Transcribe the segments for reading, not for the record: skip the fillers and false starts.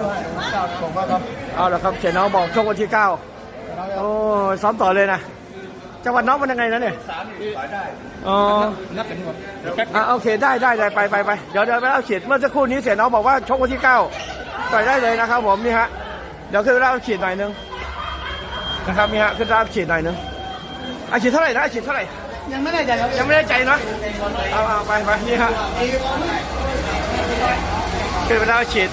ผมก็ครับเอาละครับเสียน้องบอกชกวันที่9โอ้ซ้อมต่อเลยนะจังหวัดน้องมันยังไงนะเนี่ยอ๋อนับเป็นหมดโอเคได้ไปเดี๋ยวไปเล่าฉีดเมื่อสักครู่นี้เสียน้องบอกว่าชกวันที่9ต่อยได้เลยนะครับผมนี่ฮะเดี๋ยวขึ้นเล่าฉีดหน่อยนึงนะครับนี่ฮะขึ้นเล่าฉีดหน่อยนึงฉีดเท่าไหร่นะฉีดเท่าไหร่ยังไม่ได้ใจครับยังไม่ได้ใจเนาะเอาไปนี่ฮะขึ้นไปเล่าฉีด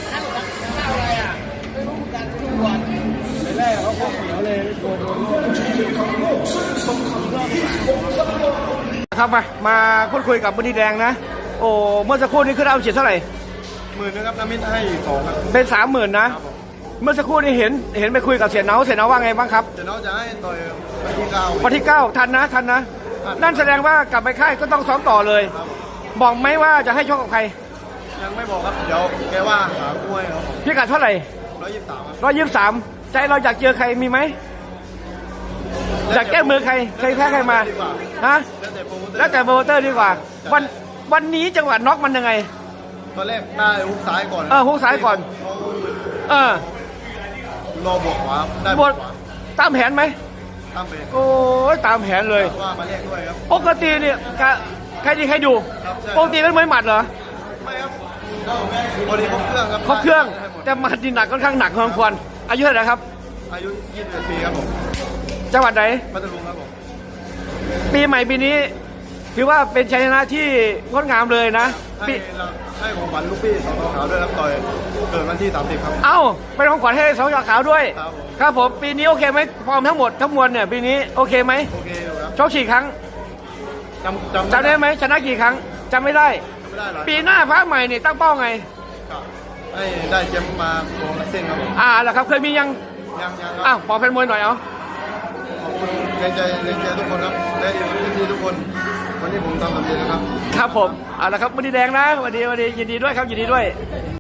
ครับมาพูดคุยกับบุญดีแดงนะโอ้เมื่อสักครู่นี้คือเอาฉีดเท่าไหร่ 10,000นะครับน้ำมิตรให้2ครับเป็น30,000นะเมื่อสักครู่นี้เห็นไปคุยกับเสียเนาว่าไงบ้างครับเสียเนาจะให้ต่อยวันที่9ทันนะนั่นแสดงว่ากลับไปค่ายก็ต้องซ้อมต่อเลยบอกไหมว่าจะให้ชกกับใครยังไม่บอกครับเดี๋ยวแกว่าหาคู่ให้ครับพี่กัดเท่าไหร่123ใจเราอยากเจอใครมีไหมอยากแก้มือใครแพ้ใครมาฮะแล้วแต่โปรโมเตอร์ดีกว่าวันนี้จังหวะน็อกมันยังไงตอนแรกได้ฮุกซ้ายก่อนฮุกซ้ายก่อนรอบวกขวาได้บวกตามแผนไหมตามแผนโอ้ยตามแผนเลยว่ามาแยกด้วยครับปกติเนี่ยใครดีใครดูปกติเป็นมวยหมัดเหรอไม่ครับพอดีครบเครื่องครับครบเครื่องแต่หมัดดีหนักค่อนข้างหนักพอสมควรอายุเท่าไหร่ครับอายุ21 ปีครับผมจังหวัดไหนพัทลุงครับผมปีใหม่ปีนี้ถือว่าเป็นชัยชนะที่งดงามเลยนะให้ของขวัญลูกพี่สองขาวด้วยครับต่อยเกิดวันที่30ครับเป็นของขวัญให้สองขาวด้วยครับผมปีนี้โอเคไหมฟอร์มทั้งหมดทั้งมวลเนี่ยปีนี้โอเคไหมโอเคครับชกกี่ครั้งจำได้ไหมชนะกี่ครั้งจำไม่ได้ปีหน้าพระใหม่เนี่ยตั้งเป้าไงให้ได้แชมป์มาโกงเส้นครับผมเหรอครับเคยมียังบอกเป็นมวยหน่อยขอบคุณแรงใจทุกคนครับและที่ทุกคนวันนี้ผมทำสำเร็จนะครับครับผมเอาละครับวันนี้แดงนะวันนี้ยินดีด้วยครับยินดีด้วย